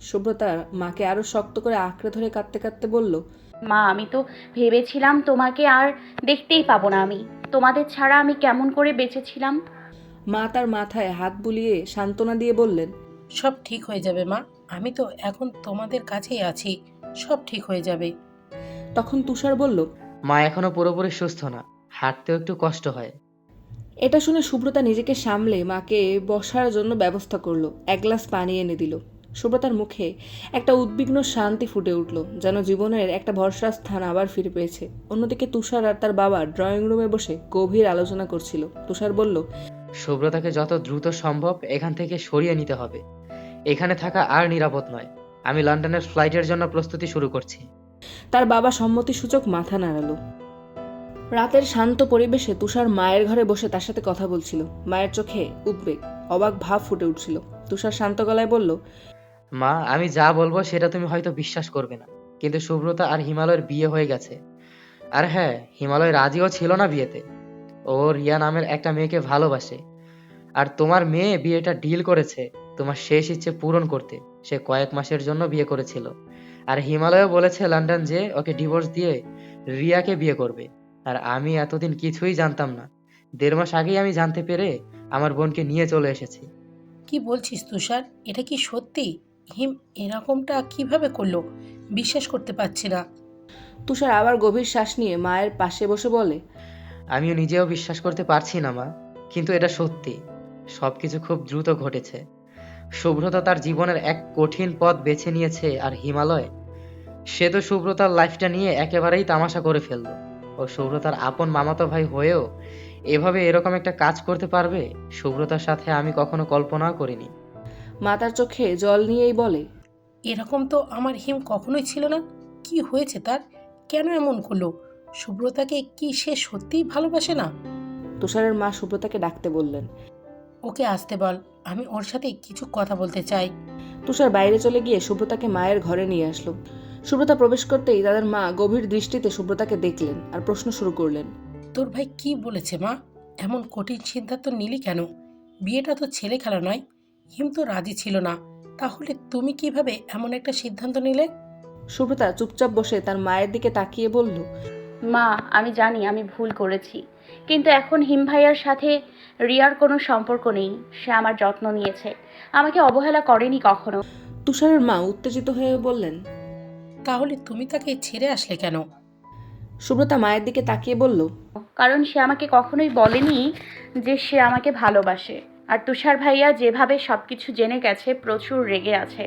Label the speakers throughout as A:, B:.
A: সুব্রতা মাকে আরো শক্ত করে আঁকড়ে ধরে কাঁদতে কাঁদতে বলল,
B: মা, আমি তো ভেবেছিলাম তোমাকে আর দেখতেই পাবো না। আমি তোমাদের ছাড়া আমি কেমন করে বেঁচেছিলাম।
A: মা তার মাথায় হাত বুলিয়ে সান্ত্বনা দিয়ে বললেন,
C: সব ঠিক হয়ে যাবে মা। আমি তো এখন তোমাদের কাছেই আছি। সব ঠিক হয়ে যাবে।
A: তখন তুষার বলল,
D: মা এখনো পুরোপুরি সুস্থ না, হাঁটতেও একটু কষ্ট হয়।
A: এটা শুনে সুব্রতা নিজেকে সামলে মাকে বসার জন্য ব্যবস্থা করলো, এক গ্লাস পানি এনে দিল। সুব্রতার মুখে একটা উদ্বিগ্ন শান্তি ফুটে উঠল, যেন জীবনের একটা ভরসার স্থান আবার ফিরে পেয়েছে। অন্যদিকে তুষার আর তার বাবা ড্রয়িং রুমে বসে গভীর আলোচনা করছিল। তুষার বলল,
D: সুব্রতাকে যত দ্রুত সম্ভব এখান থেকে সরিয়ে নিতে হবে। এখানে থাকা আর নিরাপদ নয়। আমি লন্ডনের ফ্লাইটের জন্য প্রস্তুতি শুরু করছি।
A: তার বাবা সম্মতিসূচক মাথা নাড়ালো। রাতের শান্ত পরিবেশে তুষার মায়ের ঘরে বসে তার সাথে কথা বলছিল। মায়ের চোখে উদ্বেগ, অবাক ভাব ফুটে উঠছিল। তুষার শান্ত গলায় বলল,
D: মা, আমি যা বলবো সেটা তুমি হয়তো বিশ্বাস করবে না, কিন্তু সুব্রতা আর হিমালয়ের বিয়ে হয়ে গেছে। আর হ্যাঁ, হিমালয় রাজিও ছিল না বিয়েতে। ও রিয়া নামের একটা মেয়েকে ভালোবাসে। আর তোমার মেয়ে বিয়েটা ডিল করেছে তোমার শেষ ইচ্ছে পূরণ করতে। সে কয়েক মাসের জন্য বিয়ে করেছিল। আর হিমালয়ও বলেছে লন্ডন যে ওকে ডিভোর্স দিয়ে রিয়াকে বিয়ে করবে। আর আমি এতদিন কিছুই জানতাম না। 1.5 মাস আগেই আমি জানতে পেরে আমার বোনকে নিয়ে চলে এসেছি।
C: কি বলছিস তুষার? এটা কি সত্যি? হিম এরকমটা কিভাবে করলো? বিশ্বাস করতে পারছি না।
A: তুষার আবার গভীর শ্বাস নিয়ে মায়ের পাশে বসে বলে,
D: আমিও নিজেও বিশ্বাস করতে পারছি না মা, কিন্তু এটা সত্যি। সবকিছু খুব দ্রুত ঘটেছে। শুভ্রতা তার জীবনের এক কঠিন পথ বেছে নিয়েছে, আর হিমালয়, সে তো সুব্রতার লাইফটা নিয়ে একেবারেই তামাশা করে ফেললো। ও সুব্রতার আপন মামাতো ভাই হয়েও এভাবে এরকম একটা কাজ করতে পারবে, সুব্রতার সাথে আমি কখনো কল্পনাও করিনি।
A: মা তার চোখে জল নিয়েই বলে,
C: এরকম তো আমার হিম কখনোই ছিল না। কি হয়েছে তার? কেন এমন করলো? সুব্রতাকে কি সে সত্যিই ভালোবাসে না?
A: তুষারের মা সুব্রতাকে ডাকতে বললেন।
C: ওকে আসতে বল, আমি ওর সাথে কিছু কথা বলতে চাই।
A: তুষার বাইরে চলে গিয়ে সুব্রতাকে মায়ের ঘরে নিয়ে আসলো। সুব্রতা প্রবেশ করতেই তাদের মা গভীর দৃষ্টিতে সুব্রতাকে দেখলেন আর প্রশ্ন শুরু করলেন,
C: তোর ভাই কি বলেছে মা? এমন কঠিন সিদ্ধান্ত নিলি কেন? বিয়েটা তো ছেলে খেলা নয়। হিম তো রাজি ছিল না। তাহলে তুমি কিভাবে এমন একটা সিদ্ধান্ত নিলে?
A: সুব্রতা চুপচাপ বসে তার মায়ের দিকে তাকিয়ে বলল,
B: মা, আমি জানি আমি ভুল করেছি, কিন্তু এখন হিম ভাইয়ার সাথে রিয়ার কোনো সম্পর্ক নেই। সে আমার যত্ন নিয়েছে, আমাকে অবহেলা করেনি কখনো।
A: তুষারের মা উত্তেজিত হয়ে বললেন।
C: তাহলে তুমি তাকে ছেড়ে আসলে কেন?
A: সুব্রতা মায়ের দিকে তাকিয়ে বলল,
B: কারণ সে আমাকে কখনোই বলেনি যে সে আমাকে ভালোবাসে। আর তুষার ভাইয়া যেভাবে সবকিছু জেনে গেছে, প্রচুর রেগে আছে।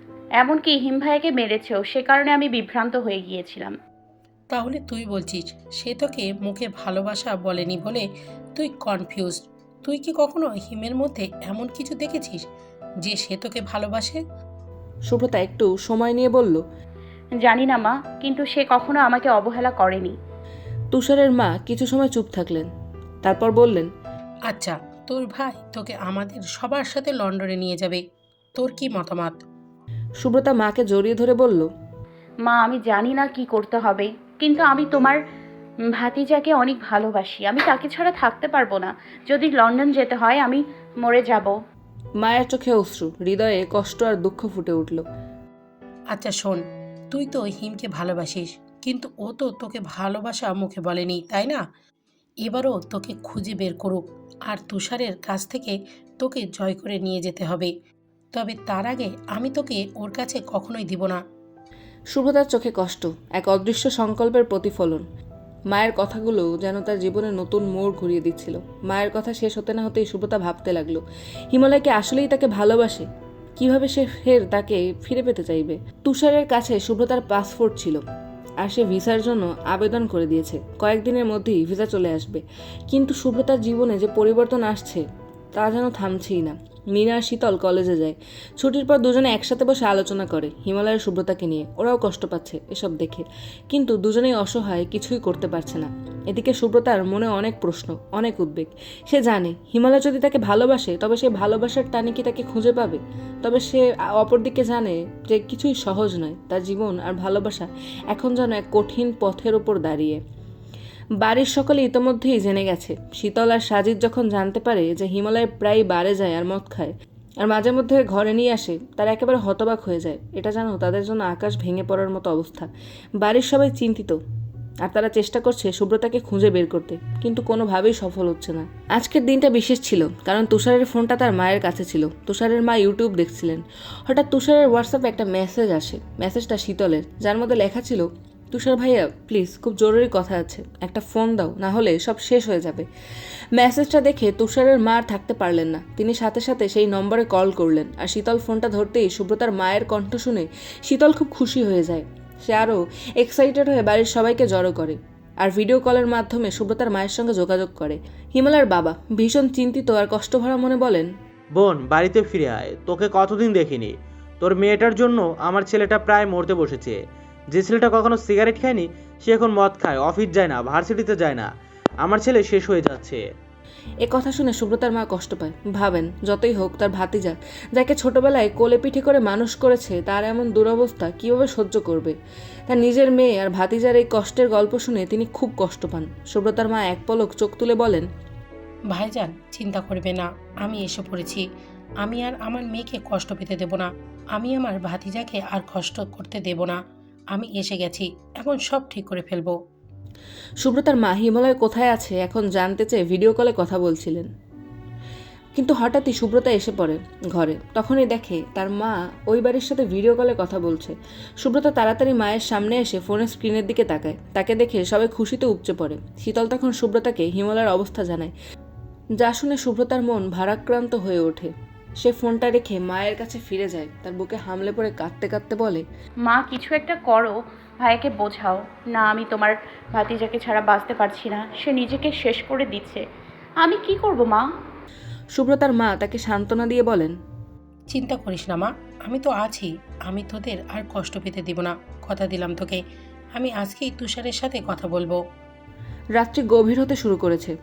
B: এমনকি হিম ভাইয়াকে মেরেছেও। সে কারণে আমি বিভ্রান্ত হয়ে গিয়েছিলাম।
C: তাহলে তুই বলছিস সে তোকে মুখে ভালোবাসা বলেনি বলে তুই কনফিউজড। তুই কি কখনো হিমের মধ্যে এমন কিছু দেখেছিস যে সে তোকে ভালোবাসে?
A: সুব্রতা একটু সময় নিয়ে বলল।
B: জানি না মা, কিন্তু সে কখনো আমাকে অবহেলা করেনি।
A: তুষারের মা কিছু সময় চুপ থাকলেন, তারপর বললেন,
C: আচ্ছা, তোর ভাই তোকে আমাদের সবার সাথে লন্ডনে নিয়ে যাবে। তোর কি মতামত?
A: সুব্রতা মাকে জড়িয়ে ধরে বলল,
B: মা, আমি জানি না কি করতে হবে, কিন্তু আমি তোমার ভাতিজাকে অনেক ভালোবাসি। আমি তাকে ছাড়া থাকতে পারবো না। যদি লন্ডন যেতে হয়, আমি মরে যাব।
A: মায়ের চোখে অশ্রু, হৃদয়ে কষ্ট আর দুঃখ ফুটে উঠল।
C: আচ্ছা শোন, তুই তো হিমকে ভালোবাসিস, কিন্তু ও তো তোকে ভালোবাসা মুখে বলেনি, তাই না? এবারও তোকে খুঁজে বের করুক, আর তুষারের কাছ থেকে তোকে জয় করে নিয়ে যেতে হবে। তবে তার আগে আমি তোকে ওর কাছে কখনোই দিব না।
A: সুব্রতার চোখে কষ্ট, এক অদৃশ্য সংকল্পের প্রতিফলন। মায়ের কথাগুলো যেন তার জীবনে নতুন মোড় ঘুরিয়ে দিচ্ছিল। মায়ের কথা শেষ হতে না হতেই সুব্রতা ভাবতে লাগলো, হিমালয়কে আসলেই তাকে ভালোবাসে? কিভাবে সে ফের তাকে ফিরে পেতে চাইবে? তুষারের কাছে সুব্রতার পাসপোর্ট ছিল, আর সে ভিসার জন্য আবেদন করে দিয়েছে। কয়েকদিনের মধ্যেই ভিসা চলে আসবে। কিন্তু সুব্রতার জীবনে যে পরিবর্তন আসছে তা যেন থামছেই না। মিনা আর শীতল কলেজে যায়। ছুটির পর দুজনে একসাথে বসে আলোচনা করে হিমালয়ের সুব্রতাকে নিয়ে। ওরাও কষ্ট পাচ্ছে এসব দেখে, কিন্তু দুজনেই অসহায়, কিছুই করতে পারছে না। এদিকে সুব্রতার মনে অনেক প্রশ্ন, অনেক উদ্বেগ। সে জানে হিমালয় যদি তাকে ভালোবাসে তবে সে ভালোবাসার টানে কি তাকে খুঁজে পাবে। তবে সে অপরদিকে জানে যে কিছুই সহজ নয়। তার জীবন আর ভালোবাসা এখন যেন এক কঠিন পথের ওপর দাঁড়িয়ে। বাড়ির সকলে ইতোমধ্যেই জেনে গেছে। শীতল আর সাজিদ যখন জানতে পারে যে হিমালয় প্রায় বারে যায় আর মদ খায়, আর মাঝে মধ্যে ঘরে নিয়ে আসে, তারা একেবারে হতবাক হয়ে যায়। এটা জানো, তাদের জন্য আকাশ ভেঙে পড়ার মতো অবস্থা। বাড়ির সবাই চিন্তিত, আর তারা চেষ্টা করছে সুব্রতাকে খুঁজে বের করতে, কিন্তু কোনোভাবেই সফল হচ্ছে না। আজকের দিনটা বিশেষ ছিল, কারণ তুষারের ফোনটা তার মায়ের কাছে ছিল। তুষারের মা ইউটিউব দেখছিলেন। হঠাৎ তুষারের হোয়াটসঅ্যাপে একটা মেসেজ আসে। মেসেজটা শীতলের, যার মধ্যে লেখা ছিল, তুষার ভাইয়া প্লিজ, খুব জরুরি কথা আছে, একটা ফোন দাও, না হলে সব শেষ হয়ে যাবে। মেসেজটা দেখে তুষারের মা আর থাকতে পারলেন না। তিনি সাথে সাথে সেই নম্বরে কল করলেন, আর শীতল ফোনটা ধরতেই সুব্রতার মায়ের কণ্ঠ শুনে শীতল খুব খুশি হয়ে যায়। সে আরও এক্সাইটেড হয়ে বাড়ির সবাইকে জড়ো করে আর ভিডিও কলের মাধ্যমে সুব্রতার মায়ের সঙ্গে যোগাযোগ করে। হিমালয়ের বাবা ভীষণ চিন্তিত আর কষ্টভরা মনে বলেন,
E: বোন, বাড়িতে ফিরে আয়, তোকে কতদিন দেখিনি। তোর মেয়েটার জন্য আমার ছেলেটা প্রায় মরতে বসেছে। যে ছেলেটা কখনো সিগারেট খায়নি, সে এখন মদ খায়, অফিস যায় না, ভার্সিটিতে যায় না। আমার ছেলে শেষ হয়ে যাচ্ছে।
A: এ কথা শুনে সুব্রতার মা কষ্ট পায়। ভাবেন, যতই হোক তার ভাতিজা, যাকে ছোটবেলায় কোলে পিঠে করে মানুষ করেছে, তার এমন দুরবস্থা কীভাবে সহ্য করবে। তার নিজের মেয়ে আর ভাতিজার এই কষ্টের গল্প শুনে তিনি খুব কষ্ট পান। সুব্রতার মা এক পলক চোখ তুলে বলেন,
C: ভাইজান চিন্তা করবে না, আমি এসে পড়েছি। আমি আর আমার মেয়েকে কষ্ট পেতে দেব না, আমি আমার ভাতিজাকে আর কষ্ট করতে দেব না। আমি এসে গেছি, এখন সব ঠিক করে ফেলবো।
A: সুব্রতার মা হিমালয় কোথায় আছে এখন জানতে চেয়ে ভিডিও কলে কথা বলছিলেন। কিন্তু হঠাৎই সুব্রতা এসে পড়ে ঘরে। তখনই দেখে তার মা ওই বাড়ির সাথে ভিডিও কলে কথা বলছে। সুব্রতা তাড়াতাড়ি মায়ের সামনে এসে ফোনের স্ক্রিনের দিকে তাকায়। তাকে দেখে সবাই খুশিতে উপচে পড়ে। শীতল তখন সুব্রতাকে হিমালয়ের অবস্থা জানায়, যা শুনে সুব্রতার মন ভারাক্রান্ত হয়ে ওঠে। সে ফোনটা রেখে মায়ের কাছে ফিরে যায়, তার বুকে হামলে পড়ে কাঁদতে কাঁদতে বলে,
B: মা, কিছু একটা করো, ভাইয়াকে বোঝাও না। আমি তোমার ভাতিজাকে ছাড়া বাঁচতে পারছি না, সে নিজেকে শেষ করে দিচ্ছে। আমি কি করব মা?
A: সুব্রতার মা তাকে সান্ত্বনা দিয়ে বলেন,
C: চিন্তা করিস না মা, আমি তো আছি। আমি তোদের আর কষ্ট পেতে দেব না, কথা দিলাম তোকে। আমি আজকেই তুষারের সাথে কথা বলবো।
A: রাত্রি গভীর হতে শুরু করেছে।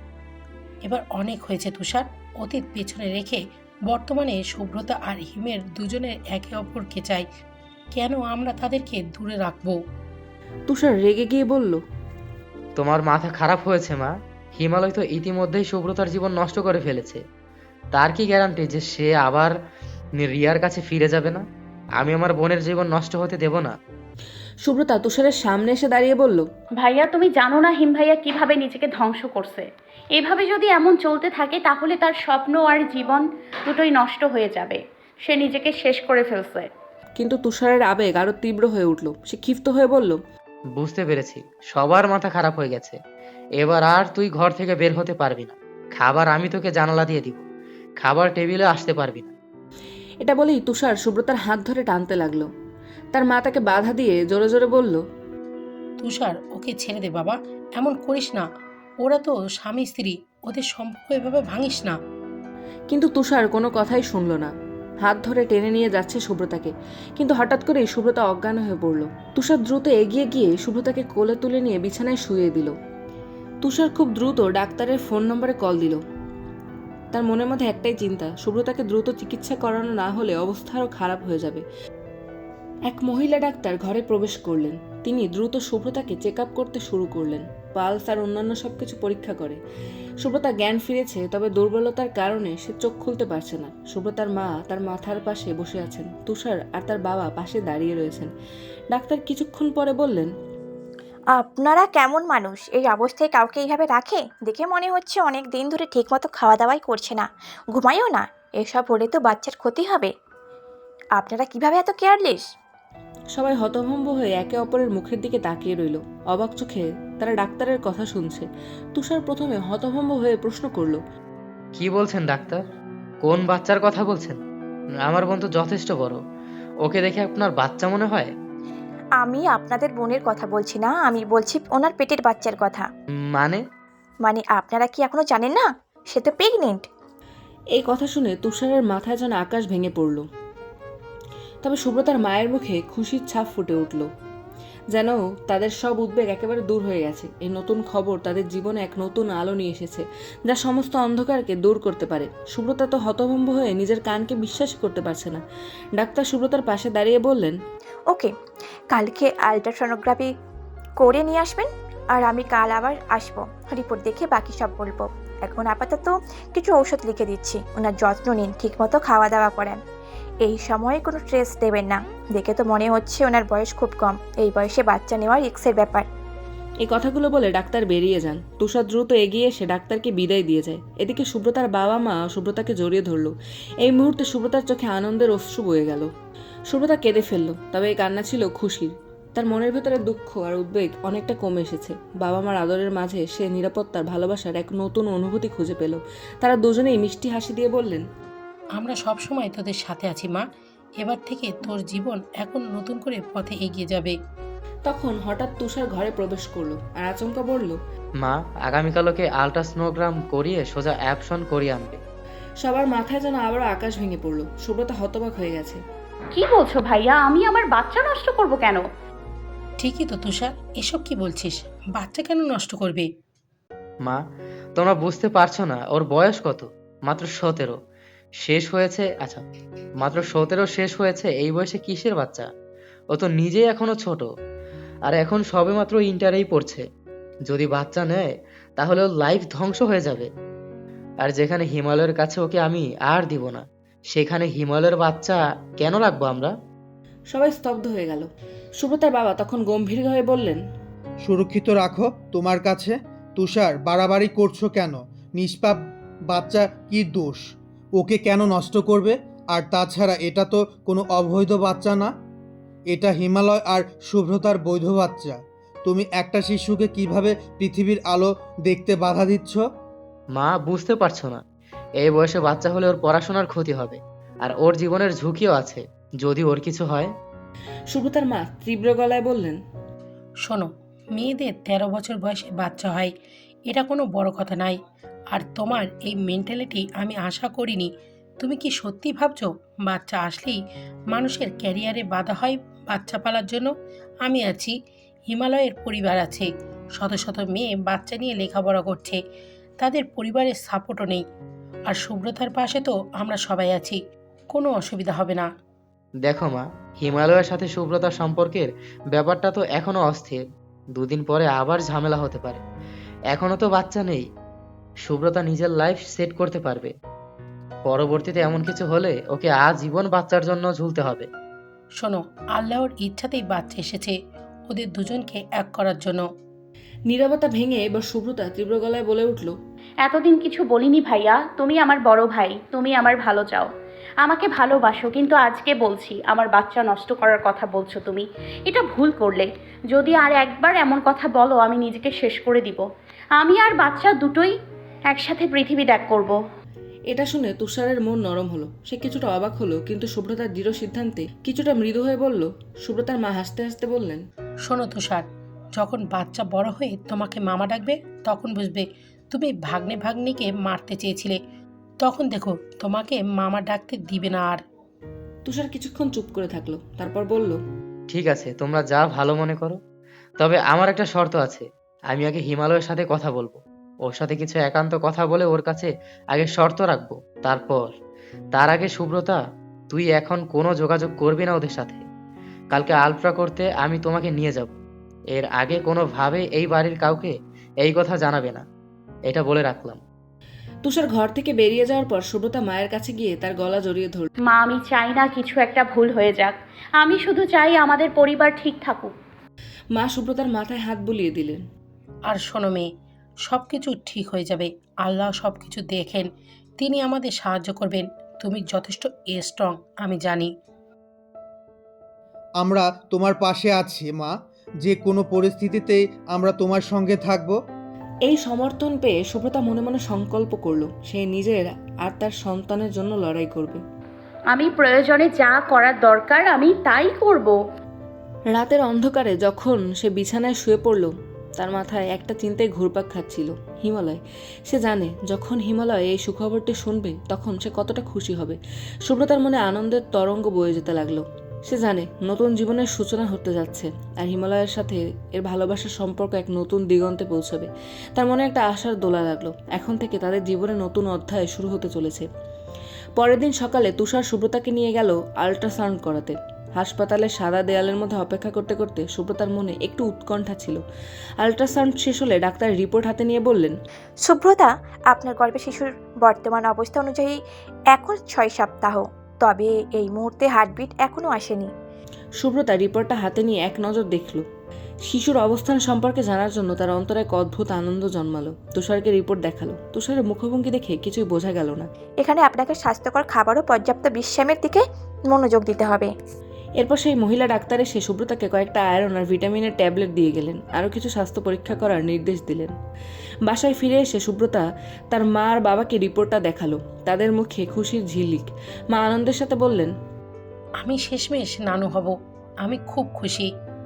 C: এবার অনেক হয়েছে তুষার, অতীত পেছনে রেখে বর্তমানে শুভ্রতা আর হিমের দুজনের একে অপরকে চাই। কেন আমরা তাদেরকে দূরে রাখবো?
A: তুষার রেগে গিয়ে বলল,
D: তোমার মাথা খারাপ হয়েছে মা। হিমালয় তো ইতিমধ্যেই সুব্রতার জীবন নষ্ট করে ফেলেছে। তার কি গ্যারান্টি যে সে আবার রিয়ার কাছে ফিরে যাবে না? আমি আমার বোনের জীবন নষ্ট হতে দেব না।
A: সুব্রতা তুষারের সামনে এসে দাঁড়িয়ে বলল,
B: ভাইয়া, তুমি জানো না হিম ভাইয়া কিভাবে নিজেকে ধ্বংস করছে। এভাবে যদি এমন চলতে থাকে তাহলে তার স্বপ্ন আর জীবন দুটোই নষ্ট হয়ে যাবে। সে নিজেকে শেষ করে ফেলছে।
A: কিন্তু তুষারের আবেগ আরো তীব্র হয়ে উঠল। সে ক্ষিপ্ত হয়ে বলল,
D: বুঝতে পেরেছি, সবার মাথা খারাপ হয়ে গেছে। এবার আর তুই ঘর থেকে বের হতে পারবি না। খাবার আমি তোকে জানালা দিয়ে দিব, খাবার টেবিলে আসতে পারবি না।
A: এটা বলেই তুষার সুব্রতার হাত ধরে টানতে লাগলো। তার মা তাকে বাধা দিয়ে জোরে জোরে বলল,
C: তুষার, ওকে ছেড়ে দে বাবা, এমন করিস না। ওরা তো স্বামী স্ত্রী, ওদের সম্পর্ক এভাবে ভাঙিস না।
A: কিন্তু তুষার কোনো কথাই শুনল না। হাত ধরে টেনে নিয়ে যাচ্ছে সুব্রতাকে, কিন্তু হঠাৎ করেই সুব্রতা অজ্ঞান হয়ে পড়ল। তুষার দ্রুত এগিয়ে গিয়ে সুব্রতাকে কোলে তুলে নিয়ে বিছানায় শুইয়ে দিল। তুষার খুব দ্রুত ডাক্তারের ফোন নম্বরে কল দিল। তার মনের মধ্যে একটাই চিন্তা, সুব্রতাকে দ্রুত চিকিৎসা করানো না হলে অবস্থা আরও খারাপ হয়ে যাবে। এক মহিলা ডাক্তার ঘরে প্রবেশ করলেন। তিনি দ্রুত সুব্রতাকে চেক আপ করতে শুরু করলেন। পালস আর অন্যান্য সবকিছু পরীক্ষা করে। সুব্রতা জ্ঞান ফিরেছে, তবে দুর্বলতার কারণে সে চোখ খুলতে পারছে না। সুব্রতার মা তার মাথার পাশে বসে আছেন। তুষার আর তার বাবা পাশে দাঁড়িয়ে রয়েছেন। ডাক্তার কিছুক্ষণ পরে বললেন,
F: আপনারা কেমন মানুষ এই অবস্থায় কাউকে এইভাবে রাখে? দেখে মনে হচ্ছে অনেক দিন ধরে ঠিকমতো খাওয়া দাওয়াই করছে না, ঘুমায়ও না। এসব হলে তো বাচ্চার ক্ষতি হবে। আপনারা কিভাবে এত কেয়ারলেস?
A: সবাই হতভম্ব হয়ে একে অপরের মুখের দিকে তাকিয়ে রইল। অবাক চোখে তারা ডাক্তারের কথা শুনছে। তুষার প্রথমে হতভম্ব হয়ে প্রশ্ন করল,
D: কি বলছেন ডাক্তার? কোন বাচ্চার কথা বলছেন? আমার বোন তো যথেষ্ট বড়, ওকে দেখে আপনার বাচ্চা মনে হয়?
F: আমি আপনাদের বোনের কথা বলছি না, আমি বলছি ওনার পেটের বাচ্চার কথা।
D: মানে?
F: মানে আপনারা কি এখনো জানেন না সে তো প্রেগনেন্ট?
A: এই কথা শুনে তুষারের মাথায় যেন আকাশ ভেঙে পড়ল। তবে সুব্রতার মায়ের মুখে খুশির ছাপ ফুটে উঠল, যেন তাদের সব উদ্বেগ একেবারে দূর হয়ে গেছে। এই নতুন খবর তাদের জীবনে এক নতুন আলো নিয়ে এসেছে, যা সমস্ত অন্ধকারকে দূর করতে পারে। সুব্রতা তো হতভম্ব হয়ে নিজের কানকে বিশ্বাস করতে পারছে না। ডাক্তার সুব্রতার পাশে দাঁড়িয়ে বললেন,
F: ওকে, কালকে আলট্রাসোনোগ্রাফি করে নিয়ে আসবেন, আর আমি কাল আবার আসবো, রিপোর্ট দেখে বাকি সব বলবো। এখন আপাতত কিছু ঔষধ লিখে দিচ্ছি, ওনার যত্ন নিন, ঠিকমতো খাওয়া দাওয়া করেন। এই সময়ে কোনো স্ট্রেস দেবেন না। দেখে তো মনে হচ্ছে ওনার বয়স খুব কম, এই বয়সে বাচ্চা নেওয়া রিস্কের ব্যাপার।
A: এই কথাগুলো বলে ডাক্তার বেরিয়ে যান। তুষার দ্রুত এগিয়ে এসে ডাক্তারকে বিদায় দিয়ে যায়। এদিকে সুব্রতার বাবা মা সুব্রতাকে জড়িয়ে ধরল। এই মুহূর্তে সুব্রতার চোখে আনন্দের অশ্রু বয়ে গেল। সুব্রতা কেঁদে ফেলল, তবে এই কান্না ছিল খুশির। তার মনের ভেতরে দুঃখ আর উদ্বেগ অনেকটা কমে এসেছে। বাবা মার আদরের মাঝে সে নিরাপত্তার, ভালোবাসার এক নতুন অনুভূতি খুঁজে পেল। তারা দুজনেই মিষ্টি হাসি দিয়ে বললেন,
C: আমরা সব সময় তোদের সাথে আছি মা। এবার থেকে তোর জীবন এখন নতুন করে পথে এগিয়ে যাবে।
A: তখন হঠাৎ তুষার ঘরে প্রবেশ করলো আর আচমকা বলল,
D: মা, আগামীকাল ওকে আল্ট্রাসনোগ্রাম করিয়ে সোজা অ্যাবশন করিয়ে আনবে।
A: সবার মাথায় যেন আবারও আকাশ ভেঙে পড়লো। সুব্রতা হতবাক হয়ে গেছে।
B: কি বলছো ভাইয়া? আমি আমার বাচ্চা নষ্ট করব কেন?
C: ঠিকই তো তুষার, এসব কি বলছিস? বাচ্চা কেন নষ্ট করবে?
D: মা, তোমরা বুঝতে পারছো না, ওর বয়স কত? মাত্র 17 শেষ হয়েছে। আচ্ছা, মাত্র 17 শেষ হয়েছে। এই বয়সে কিসের বাচ্চা? ও তো নিজেই এখনো ছোট, আর এখন সবেমাত্র ইন্টারেই পড়ছে। যদি বাচ্চা নেয় তাহলে ওর লাইফ ধ্বংস হয়ে যাবে। আর যেখানে হিমালয়ের কাছে ওকে আমি আর দিব না, সেখানে হিমালয়ের বাচ্চা কেন রাখবো আমরা?
A: সবাই স্তব্ধ হয়ে গেল। সুব্রতার বাবা তখন গম্ভীর হয়ে বললেন,
G: সুরক্ষিত রাখো তোমার কাছে। তুষার, বাড়াবাড়ি করছো কেন? নিষ্পাপ বাচ্চা কি দোষ? ওকে কেন নষ্ট করবে? আর তাছাড়া এটা তো কোনো অবৈধ বাচ্চা না, এটা হিমালয় আর শুভ্রতার বৈধ বাচ্চা। তুমি একটা শিশুকে কিভাবে পৃথিবীর আলো দেখতে বাধা দিচ্ছ?
D: মা, বুঝতে পারছো না? এই বয়সে বাচ্চা হলে ওর পড়াশোনার ক্ষতি হবে, আর ওর জীবনের ঝুঁকিও আছে যদি ওর কিছু হয়।
A: সুব্রতার মা তীব্র গলায় বললেন,
C: শোনো, মেয়েদের 13 বছর বয়সে বাচ্চা হয়, এটা কোনো বড় কথা নাই। আর তোমার এই মেন্টালিটি আমি আশা করিনি। তুমি কি সত্যি ভাবছো বাচ্চা আসলেই মানুষের ক্যারিয়ারে বাধা হয় বাচ্চা পালার জন্য? আমি আছি, হিমালয়ের পরিবার আছে, শত শত মেয়ে বাচ্চা নিয়ে লেখাপড়া করছে, তাদের পরিবারের সাপোর্টও নেই। আর সুব্রতার পাশে তো আমরা সবাই আছি, কোনো অসুবিধা হবে না।
D: দেখো মা, হিমালয়ের সাথে সুব্রতার সম্পর্কের ব্যাপারটা তো এখনো অস্থির। দুদিন পরে আবার ঝামেলা হতে পারে। এখনো তো বাচ্চা নেই। সুব্রতা নিজের লাইফ সেট করতে পারবে। পরবর্তীতে এমন কিছু হলে ওকে আজীবন বাচ্চার জন্য ঝুলতে হবে।
C: শোনো, আল্লাহর ইচ্ছাতেই বাচ্চা এসেছে ওদের দুজনকে এক করার জন্য।
A: নীরবতা ভেঙে এবার সুব্রতা তীব্র গলায় বলে উঠল,
B: এতদিন কিছু বলিনি ভাইয়া। তুমি আমার বড় ভাই, তুমি আমার ভালো চাও, আমাকে ভালোবাসো, কিন্তু আজকে বলছি আমার বাচ্চা নষ্ট করার কথা বলছো তুমি। এটা ভুল করলে। যদি আর একবার এমন কথা বলো আমি নিজেকে শেষ করে দিব। আমি আর বাচ্চা দুটোই একসাথে পৃথিবী ত্যাগ করব।
A: এটা শুনে তুষারের মন নরম হলো। সে কিছুটা অবাক হলো, কিন্তু সুব্রতার দৃঢ় সিদ্ধান্তে কিছুটা মৃদু হয়ে বলল। সুব্রতার মা হাসতে হাসতে বললেন,
C: শোনো তুষার, যখন বাচ্চা বড় হয়ে তোমাকে মামা ডাকবে তখন বুঝবে তুমি ভাগ্নে ভাগ্নিকে মারতে চেয়েছিলে। তখন দেখো তোমাকে মামা ডাকতে দিবে না আর।
A: তুষার কিছুক্ষণ চুপ করে থাকলো, তারপর বলল,
D: ঠিক আছে, তোমরা যা ভালো মনে করো। তবে আমার একটা শর্ত আছে। আমি আগে হিমালয়ের সাথে কথা বলবো। ওর সাথে কিছু একান্ত কথা বলে ওর কাছে আগে শর্ত রাখবো। তার আগে সুব্রতা, তুই এখন কোনো যোগাযোগ করবি না ওদের সাথে। কালকে আলট্রা করতে আমি তোমাকে নিয়ে যাব। এর আগে কোনোভাবে এই বাড়ির কাউকে এই কথা জানাবে না, এটা বলে রাখলাম।
A: তুষার ঘর থেকে বেরিয়ে যাওয়ার পর সুব্রতা মায়ের কাছে গিয়ে তার গলা জড়িয়ে ধরল।
B: মা, আমি চাই না কিছু একটা ভুল হয়ে যাক। আমি শুধু চাই আমাদের পরিবার ঠিক থাকুক।
A: মা সুব্রতার মাথায় হাত বুলিয়ে দিলেন।
C: আর শোনো মেয়ে, সব কিছু ঠিক হয়ে যাবে। আল্লাহ সব কিছু দেখেন, তিনি আমাদের সাহায্য করবেন। তুমি যথেষ্ট স্ট্রং, আমি জানি।
G: আমরা তোমার পাশে আছি মা, যে কোনো পরিস্থিতিতেই আমরা তোমার সঙ্গে থাকবো।
A: এই সমর্থন পেয়ে সুব্রতা মনে মনে সংকল্প করলো সে নিজের আর তার সন্তানের জন্য লড়াই করবে।
B: আমি প্রয়োজনে যা করার দরকার আমি তাই করব।
A: রাতের অন্ধকারে যখন সে বিছানায় শুয়ে পড়ল, তার মাথায় একটা চিন্তায় ঘুরপাক খাচ্ছিল, হিমালয়। সে জানে যখন হিমালয় এই সুখবরটি শুনবে তখন সে কতটা খুশি হবে। সুব্রতার মনে আনন্দের তরঙ্গ বয়ে যেতে লাগলো। সে জানে নতুন জীবনের সূচনা হতে যাচ্ছে, আর হিমালয়ের সাথে এর ভালোবাসার সম্পর্ক এক নতুন দিগন্তে পৌঁছাবে। তার মনে একটা আশার দোলা লাগলো। এখন থেকে তাদের জীবনে নতুন অধ্যায় শুরু হতে চলেছে। পরের দিন সকালে তুষার সুব্রতাকে নিয়ে গেল আল্ট্রাসাউন্ড করাতে। হাসপাতালের সাদা দেয়ালের মধ্যে অপেক্ষা করতে করতে সুব্রতার মনে একটু উৎকণ্ঠা ছিল। আল্ট্রাসাউন্ড শেষ হলে ডাক্তার রিপোর্ট হাতে নিয়ে বললেন,
F: সুব্রতা, আপনার গর্ভে শিশুর বর্তমান অবস্থা অনুযায়ী এখন 6 সপ্তাহ, তবে এই মুহূর্তে হার্টবিট এখনও আসেনি।
A: সুব্রতা রিপোর্টটা হাতে নিয়ে এক নজর দেখল। শিশুর অবস্থান সম্পর্কে জানার জন্য তার অন্তরে এক অদ্ভুত আনন্দ জন্মালো। তুষারকে রিপোর্ট দেখালো। তুষারের মুখভঙ্গি দেখে কিছুই বোঝা গেল না।
F: এখানে আপনাকে স্বাস্থ্যকর খাবার ও পর্যাপ্ত বিশ্রামের দিকে মনোযোগ দিতে হবে।
A: এরপর সেই মহিলা ডাক্তার এসে সুব্রতাকে কয়েকটা আয়রন আর ভিটামিনের ট্যাবলেট দিয়ে গেলেন। আরও কিছু স্বাস্থ্য পরীক্ষা করার নির্দেশ দিলেন। বাসায় ফিরে এসে সুব্রতা তার মা আর বাবাকে রিপোর্টটা দেখালো। তাদের মুখে খুশির ঝিলিক। মা আনন্দের সাথে বললেন,
C: আমি শেষমেশ নানু হব, আমি খুব খুশি।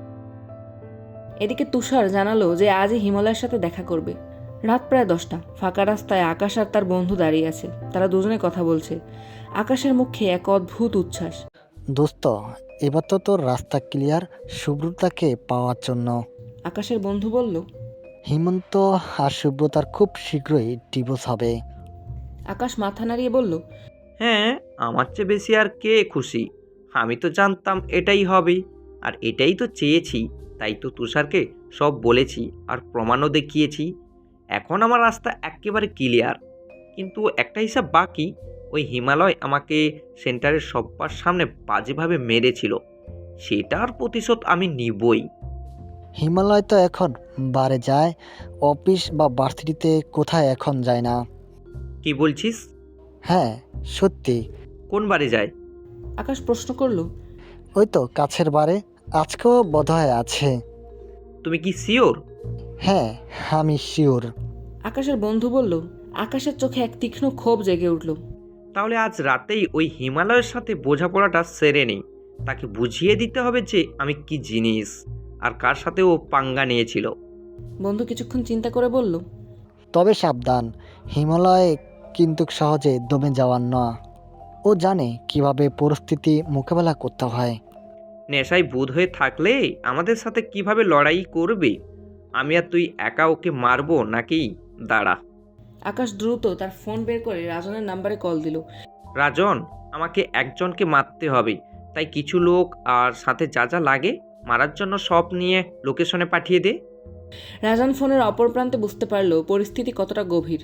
A: এদিকে তুষার জানালো যে আজই হিমালয়ের সাথে দেখা করবে। রাত প্রায় 10টা। ফাঁকা রাস্তায় আকাশ আর তার বন্ধু দাঁড়িয়ে আছে। তারা দুজনে কথা বলছে। আকাশের মুখে এক অদ্ভুত উচ্ছ্বাস।
H: দোস্ত, এবার তো তোর রাস্তা ক্লিয়ার সুব্রতাকে পাওয়ার জন্য।
A: আকাশের বন্ধু বলল,
H: হিমন্ত আর সুব্রতার খুব শীঘ্রই ডিভোর্স হবে।
A: আকাশ মাথা নাড়িয়ে বলল,
I: হ্যাঁ, আমার চেয়ে বেশি আর কে খুশি? আমি তো জানতাম এটাই হবে, আর এটাই তো চেয়েছি। তাই তো তুষারকে সব বলেছি আর প্রমাণও দেখিয়েছি। এখন আমার রাস্তা একেবারে ক্লিয়ার। কিন্তু একটা হিসাব বাকি। ওই হিমালয় আমাকে সেন্টারের সবার সামনে বাজেভাবে মেরেছিল, সেটার প্রতিশোধ আমি নিবই।
H: হিমালয় তো এখন বারে যায়, অফিস বা ভার্সিটিতে কোথায় এখন যায় না।
I: কি বলছিস?
H: হ্যাঁ সত্যি।
I: কোন বারে যায়?
A: আকাশ প্রশ্ন করল।
H: ওই তো কাছের বারে, আজকেও বোধহয় আছে।
I: তুমি কি শিওর?
H: হ্যাঁ আমি শিওর।
A: আকাশের বন্ধু বলল। আকাশের চোখে এক তীক্ষ্ণ ক্ষোভ জেগে উঠল।
I: তাহলে আজ রাতেই ওই হিমালয়ের সাথে বোঝাপড়াটা সেরে নেই। তাকে বুঝিয়ে দিতে হবে যে আমি কি জিনিস আর কার সাথে ও পাঙ্গা নিয়েছিল।
A: বন্ধু কিছুক্ষণ চিন্তা করে বলল,
H: তবে সাবধান, হিমালয় কিন্তু সহজে দমে যাওয়ার না। ও জানে কিভাবে পরিস্থিতি মোকাবেলা করতে হয়।
I: নেশায় বুঁদ হয়ে থাকলে আমাদের সাথে কিভাবে লড়াই করবে? আমি আর তুই একা ওকে মারবো নাকি? দাঁড়া।
A: আকাশ দ্রুত তার ফোন বের করে রাজনের নাম্বারে কল দিল।
I: রাজন, আমাকে একজনকে মারতে হবে, তাই কিছু লোক আর সাথে যা যা লাগে মারার জন্য সব নিয়ে লোকেশনে পাঠিয়ে দে।
A: রাজন ফোনের অপর প্রান্তে বুঝতে পারল পরিস্থিতি কতটা গভীর।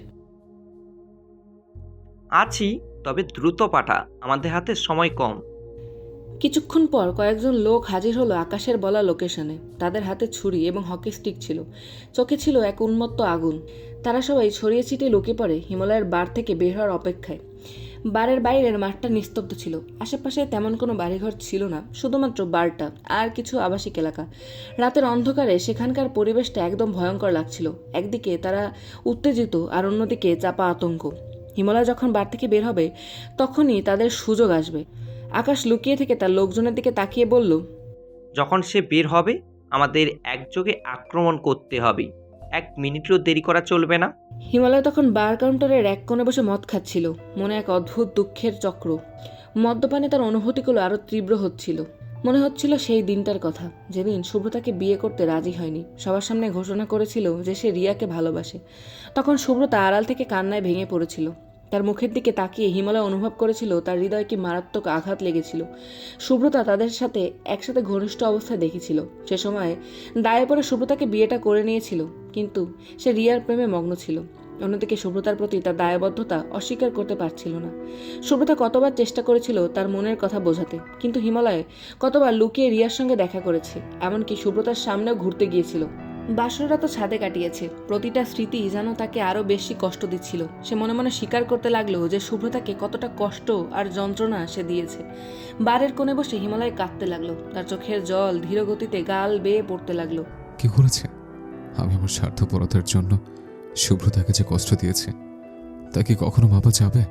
I: আছি, তবে দ্রুত পাঠা, আমাদের হাতে সময় কম।
A: কিছুক্ষণ পর কয়েকজন লোক হাজির হলো আকাশের বলা লোকেশনে। তাদের হাতে ছুরি এবং হকি স্টিক ছিল। চোখে ছিল এক উন্মত্ত আগুন। তারা সবাই ছড়িয়ে ছিটিয়ে লুকিয়ে পড়ে হিমালয়ের বার থেকে বের হওয়ার অপেক্ষায়। বারের বাইরের মাঠটা নিস্তব্ধ ছিল। আশেপাশে তেমন কোনো বাড়িঘর ছিল না, শুধুমাত্র বারটা আর কিছু আবাসিক এলাকা। রাতের অন্ধকারে সেখানকার পরিবেশটা একদম ভয়ঙ্কর লাগছিল। একদিকে তারা উত্তেজিত আর অন্যদিকে চাপা আতঙ্ক। হিমালয় যখন বার থেকে বের হবে তখনই তাদের সুযোগ আসবে। আকাশ লুকিয়ে থেকে তার লোকজনের দিকে তাকিয়ে বলল,
I: যখন সে বের হবে আমাদের একযোগে আক্রমণ করতে হবে। 1 মিনিটও দেরি করা চলবে না।
A: হিমালয় তখন বার কাউন্টারের এক কোণে বসে মদ খাচ্ছিল। মনে এক অদ্ভুত দুঃখের চক্র। মদ্যপানে তার অনুভূতিগুলো আরও তীব্র হচ্ছিল। মনে হচ্ছিল সেই দিনটার কথা, যেদিন সুব্রতাকে বিয়ে করতে রাজি হয়নি। সবার সামনে ঘোষণা করেছিল যে সে রিয়াকে ভালোবাসে। তখন সুব্রতা আড়াল থেকে কান্নায় ভেঙে পড়েছিল। তার মুখের দিকে তাকিয়ে হিমালয় অনুভব করেছিল তার হৃদয়ে কি মারাত্মক আঘাত লেগেছিল। সুব্রতা তাদের সাথে একসাথে ঘনিষ্ঠ অবস্থায় দেখেছিল। সে সময় দায়ে পড়ে সুব্রতাকে বিয়েটা করে নিয়েছিল, কিন্তু সে রিয়ার প্রেমে মগ্ন ছিল। অন্যদিকে সুব্রতার প্রতি তার দায়বদ্ধতা অস্বীকার করতে পারছিল না। সুব্রতা কতবার চেষ্টা করেছিল তার মনের কথা বোঝাতে, কিন্তু হিমালয় কতবার লুকিয়ে রিয়ার সঙ্গে দেখা করেছে, এমনকি সুব্রতার সামনেও ঘুরতে গিয়েছিল। বাসররা তো ছাদে কাটিয়েছে। প্রতিটা স্মৃতি যেন তাকে আরও বেশি কষ্ট দিচ্ছিল। সে মনে মনে স্বীকার করতে লাগলো যে শুভ্রতাকে কতটা কষ্ট আর যন্ত্রণা সে দিয়েছে। বারের কোণে বসে হিমালয় কাঁদতে লাগলো। তার চোখের জল ধীর গতিতে গাল বেয়ে পড়তে লাগলো।
J: কি করেছে? আমি আমার স্বার্থপরতার জন্য শুভ্রতাকে যে কষ্ট দিয়েছে তা কি কখনো মাপা যাবে?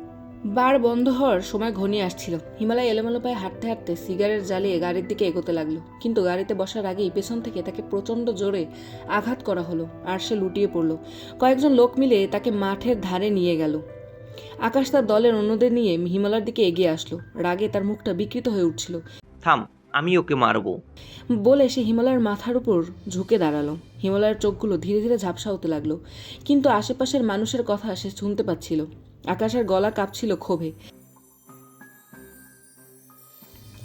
A: বার বন্ধ হওয়ার সময় ঘনিয়ে আসছিল। হিমালয় এলোমেলো পায়ে হাঁটতে হাঁটতে সিগারেট জ্বালিয়ে গাড়ির দিকে এগোতে লাগলো। কিন্তু গাড়িতে বসার আগেই পেছন থেকে তাকে প্রচণ্ড জোরে আঘাত করা হলো আর সে লুটিয়ে পড়ল। কয়েকজন লোক মিলে তাকে মাঠের ধারে নিয়ে গেল। আকাশ তার দলের অন্যদের নিয়ে হিমালয়ের দিকে এগিয়ে আসলো। রাগে তার মুখটা বিকৃত হয়ে উঠছিল।
I: থাম, আমি ওকে মারবো
A: বলে সে হিমালয়ের মাথার উপর ঝুঁকে দাঁড়ালো। হিমালয়ের চোখগুলো ধীরে ধীরে ঝাপসা হতে লাগলো, কিন্তু আশেপাশের মানুষের কথা সে শুনতে পাচ্ছিল। আকাশের গলা কাঁপছিল ক্ষোভে।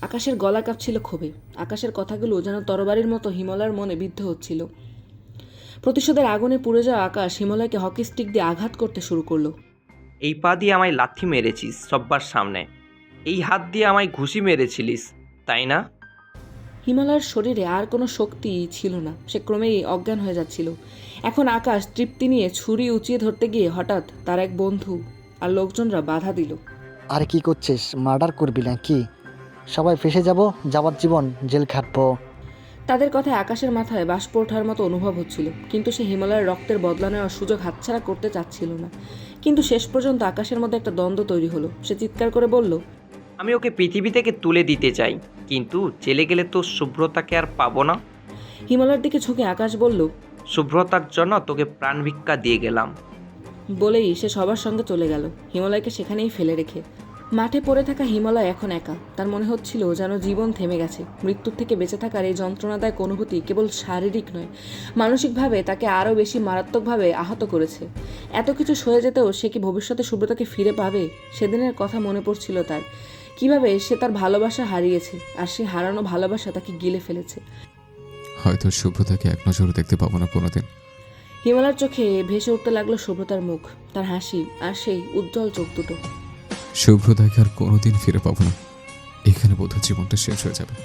A: আকাশের গলা কাঁপছিল ক্ষোভে। আকাশের কথাগুলো যেন তরবারির মতো হিমালয়ের মনে বিদ্ধ হচ্ছিল। প্রতিশোধের আগুনে পুড়ে যাওয়া আকাশ হিমালয়কে হকি স্টিক দিয়ে আঘাত করতে শুরু করলো।
I: এই পা দিয়ে আমায় লাথি মেরেছিস সব্বার সামনে, এই হাত দিয়ে আমায় ঘুষি মেরেছিলিস, তাই না?
A: হিমালয়ের শরীরে আর কোনো শক্তি ছিল না, সে ক্রমেই অজ্ঞান হয়ে যাচ্ছিল। এখন আকাশ তৃপ্তি নিয়ে ছুরি উঁচিয়ে ধরতে গিয়ে হঠাৎ তার এক বন্ধু আর লোকজনরা বাধা দিল।
H: আর কি করছিস? মার্ডার করবি না কি? সবাই ফেসে যাব, যাবার জীবন জেল খাটবো।
A: তাদের কথায় আকাশের মাথায় বাষ্প ওঠার মতো অনুভব হচ্ছিল, কিন্তু সে হিমালয়ের রক্তের বদলা নেওয়ার সুযোগ হাতছাড়া করতে চাচ্ছিল না। কিন্তু শেষ পর্যন্ত আকাশের মধ্যে একটা দ্বন্দ্ব তৈরি হলো। সে চিৎকার করে বলল,
I: আমি ওকে পৃথিবী থেকে তুলে দিতে চাই, কিন্তু জেলে গেলে তো শুভ্রতাকে আর পাবো না।
A: হিমালয়ের দিকে ঝুঁকে আকাশ বলল,
I: শুভ্রতার জন্য তোকে প্রাণ ভিক্ষা দিয়ে গেলাম।
A: বলেই সে সবার সঙ্গে চলে গেল, হিমালয়কে সেখানেই ফেলে রেখে। মাঠে পড়ে থাকা হিমালয় এখন একা। তার মনে হচ্ছিল যেন জীবন থেমে গেছে। মৃত্যুর থেকে বেঁচে থাকার এই যন্ত্রণাদায়ক অনুভূতি কেবল শারীরিক নয়, মানসিকভাবে তাকে আরও বেশি মারাত্মকভাবে আহত করেছে। এত কিছু সয়ে যেতেও সে কি ভবিষ্যতে শুভ্রতাকে ফিরে পাবে? সেদিনের কথা মনে পড়ছিল তার, কিভাবে সে তার ভালোবাসা হারিয়েছে, আর সে হারানো ভালোবাসা তাকে গিলে ফেলেছে।
J: হয়তো শুভ্রতাকে এক নজরে দেখতে পাবো না কোনোদিন।
A: হিমালয়ের চোখে ভেসে উঠতে লাগলো শুভ্রতার মুখ, তার হাসি আর সেই উজ্জ্বল চোখ দুটো।
J: শুভ্রতাকে আর কোনোদিন ফিরে পাবো না। এখানে বোধহয় জীবনটা শেষ হয়ে যাবে।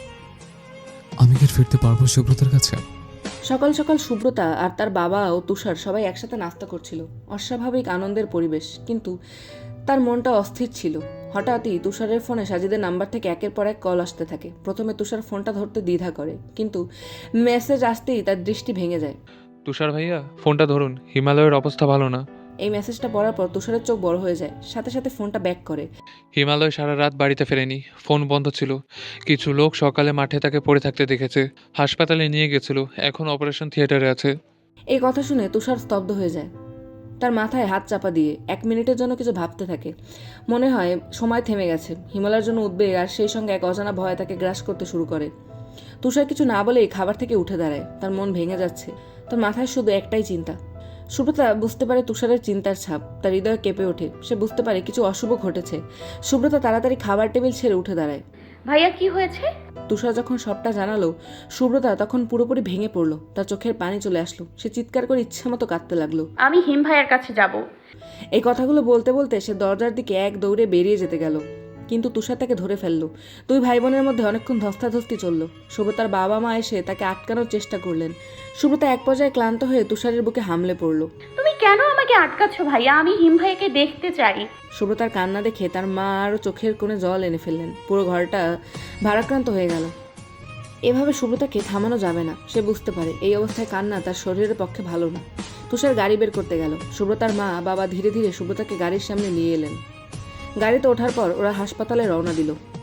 J: আমি কি আর ফিরতে পারবো শুভ্রতার কাছে?
A: সকাল সকাল শুভ্রতা আর তার বাবা ও তুষার সবাই একসাথে নাস্তা করছিল। অস্বাভাবিক আনন্দের পরিবেশ, কিন্তু তার মনটা অস্থির ছিল। হঠাৎই তুষারের ফোনে সাজিদের নাম্বার থেকে একের পর এক কল আসতে থাকে। প্রথমে তুষার ফোনটা ধরতে দ্বিধা করে, কিন্তু মেসেজ আসতেই তার দৃষ্টি ভেঙে যায়।
K: তুষার ভাইয়া, ফোনটা ধরুন, হিমালয়ের অবস্থা ভালো না।
A: এই মেসেজটা পড়ার পর তুষারের চোখ বড় হয়ে যায়, সাথে সাথে ফোনটা ব্যাক করে।
K: হিমালয় সারা রাত বাড়িতে ফেরেনি, ফোন বন্ধ ছিল। কিছু লোক সকালে মাঠে তাকে পড়ে থাকতে দেখেছে, হাসপাতালে নিয়ে গেছিল, এখন অপারেশন থিয়েটারে আছে।
A: এই কথা শুনে তুষার স্তব্ধ হয়ে যায়। তার মাথায় হাত চাপা দিয়ে 1 মিনিটের জন্য কিছু ভাবতে থাকে। মনে হয় সময় থেমে গেছে। হিমালয়ের জন্য উদ্বেগ আর সেই সঙ্গে এক অজানা ভয় তাকে গ্রাস করতে শুরু করে। তুষার কিছু না বলেই খাবার থেকে উঠে দাঁড়ায়। তার মন ভেঙে যাচ্ছে। তার মাথায় শুধু একটাই চিন্তা। সুব্রতা বুঝতে পারে তুষারের চিন্তার ছাপ, তার হৃদয় কেঁপে ওঠে। সে বুঝতে পারে কিছু অশুভ ঘটেছে। সুব্রতা তাড়াতাড়ি খাবার টেবিল ছেড়ে উঠে দাঁড়ায়।
B: ভাইয়া কি হয়েছে?
A: তুষার যখন সবটা জানালো, সুব্রতা তখন পুরোপুরি ভেঙে পড়লো। তার চোখের পানি চলে আসলো। সে চিৎকার করে ইচ্ছামতো কাঁদতে লাগলো।
B: আমি হিম ভাইয়ার কাছে যাব।
A: এই কথাগুলো বলতে বলতে সে দরজার দিকে এক দৌড়ে বেরিয়ে যেতে গেল, কিন্তু তুষার তাকে ধরে ফেললো। 2 ভাই বোনের মধ্যে অনেকক্ষণ ধস্তাধস্তি চলল। সুব্রতার বাবা মা এসে তাকে আটকানোর চেষ্টা করলেন। সুব্রতা এক পর্যায়ে ক্লান্ত হয়ে তুষারের বুকে হামলে পড়ল।
B: তুমি কেন আমাকে আটকাচ্ছ ভাইয়া? আমি হিম ভাইয়াকে দেখতে চাই।
A: সুব্রতার কান্না দেখে তার মা আরও চোখের কোণে জল এনে ফেললেন। পুরো ঘরটা ভারাক্রান্ত হয়ে গেল। এভাবে সুব্রতাকে থামানো যাবে না। সে বুঝতে পারে এই অবস্থায় কান্না তার শরীরের পক্ষে ভালো না। তুষার গাড়ি বের করতে গেল। সুব্রতার মা বাবা ধীরে ধীরে সুব্রতাকে গাড়ির সামনে নিয়ে এলেন। গাড়িতে ওঠার পর ওরা হাসপাতালে রওনা দিল।